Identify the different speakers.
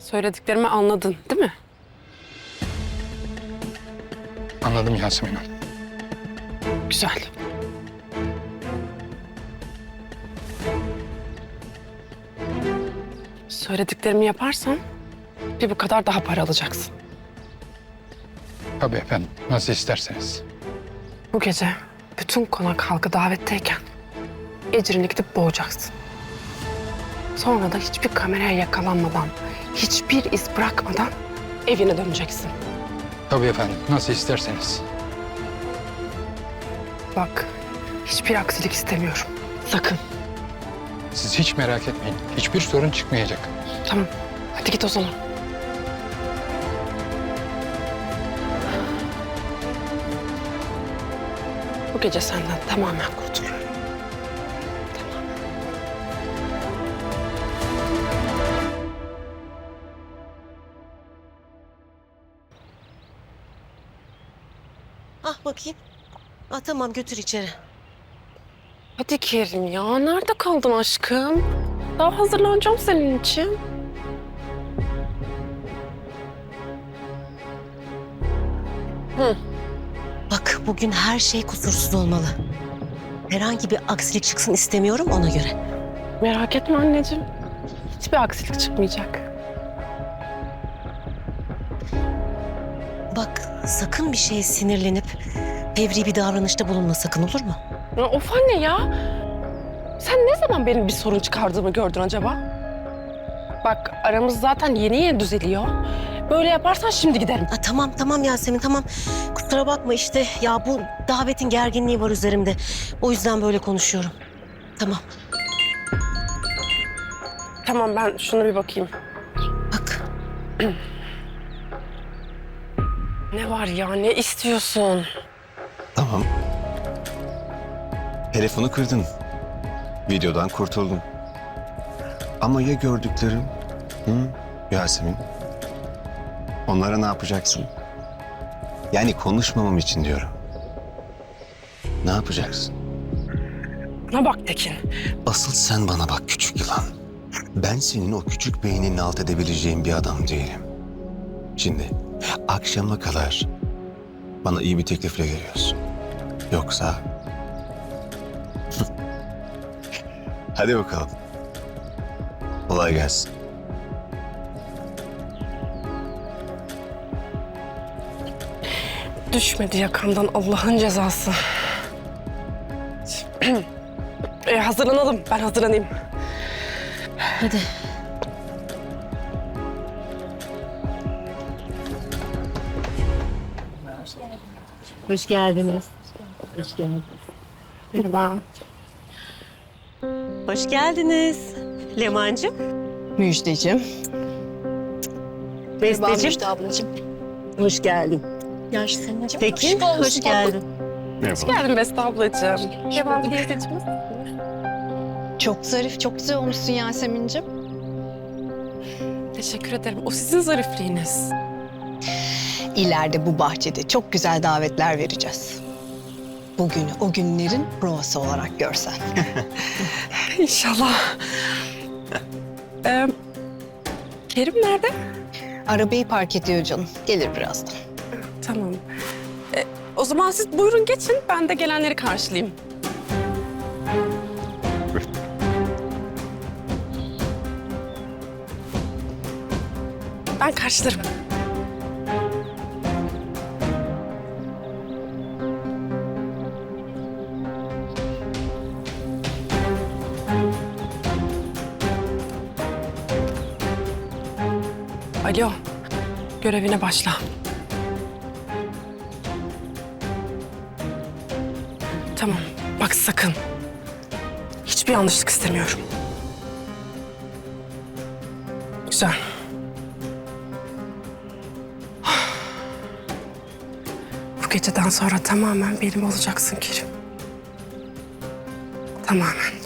Speaker 1: Söylediklerimi anladın, değil mi?
Speaker 2: Anladım Yasemin Hanım.
Speaker 1: Güzel. Söylediklerimi yaparsan bir bu kadar daha para alacaksın.
Speaker 2: Tabii efendim, nasıl isterseniz.
Speaker 1: Bu gece bütün konak halkı davetteyken Ecrin'i gidip boğacaksın. Sonra da hiçbir kameraya yakalanmadan, hiçbir iz bırakmadan evine döneceksin.
Speaker 2: Tabii efendim, nasıl isterseniz.
Speaker 1: Bak, hiçbir aksilik istemiyorum. Sakın.
Speaker 2: Siz hiç merak etmeyin, hiçbir sorun çıkmayacak.
Speaker 1: Tamam, hadi git o zaman. Bu gece senden tamamen kurtuluyorum.
Speaker 3: Ah bakayım. Ah tamam götür içeri.
Speaker 1: Hadi Kerim ya, nerede kaldın aşkım? Daha hazırlanacağım senin için.
Speaker 3: Bak bugün her şey kusursuz olmalı. Herhangi bir aksilik çıksın istemiyorum ona göre.
Speaker 1: Merak etme anneciğim. Hiçbir aksilik çıkmayacak.
Speaker 3: Bak sakın bir şeye sinirlenip fevri bir davranışta bulunma sakın olur mu?
Speaker 1: Ya of anne ya. Sen ne zaman benim bir sorun çıkardığımı gördün acaba? Bak aramız zaten yeni düzeliyor. Böyle yaparsan şimdi giderim.
Speaker 3: Ah, tamam Yasemin tamam. Kusura bakma işte ya bu davetin gerginliği var üzerimde. O yüzden böyle konuşuyorum. Tamam
Speaker 1: Tamam ben şuna bir bakayım.
Speaker 3: bak.
Speaker 1: Ne var ya, ne istiyorsun?
Speaker 4: Tamam. Telefonu kırdın. Videodan kurtuldun. Ama ya gördüklerim? Hı? Yasemin. Onlara ne yapacaksın? Yani konuşmamam için diyorum. Ne yapacaksın?
Speaker 1: Bana bak Tekin.
Speaker 4: Asıl sen bana bak küçük yılan. Ben senin o küçük beynini alt edebileceğin bir adam değilim. Şimdi akşama kadar bana iyi bir teklifle geliyorsun. Yoksa... Hadi bakalım. Kolay gelsin.
Speaker 1: Düşmedi yakamdan Allah'ın cezası. Hazırlanalım. Ben hazırlanayım.
Speaker 3: Hadi. Hoş geldiniz. Hoş geldiniz.
Speaker 1: Merhaba.
Speaker 3: Hoş geldiniz. Leman'cığım.
Speaker 5: Müjdeciğim.
Speaker 3: Besteciğim.
Speaker 5: Müjde ablacığım.
Speaker 3: Hoş geldin.
Speaker 5: Yasemin'cim.
Speaker 3: Tekin, hoş geldin.
Speaker 1: Hoş geldin Beste ablacığım. Devam teyzeciğimiz.
Speaker 5: Çok zarif, çok güzel olmuşsun Yasemin'cim.
Speaker 1: Teşekkür ederim. O sizin zarifliğiniz.
Speaker 5: İleride bu bahçede çok güzel davetler vereceğiz. Bugünü o günlerin provası olarak görsen.
Speaker 1: İnşallah. Kerim nerede?
Speaker 5: Arabayı park ediyor canım. Gelir birazdan.
Speaker 1: Tamam. O zaman siz buyurun geçin. Ben de gelenleri karşılayayım. Ben karşılarım. Alo, görevine başla. Tamam, bak sakın. Hiçbir yanlışlık istemiyorum. Güzel. Bu geceden sonra tamamen benim olacaksın Kerim. Tamamen.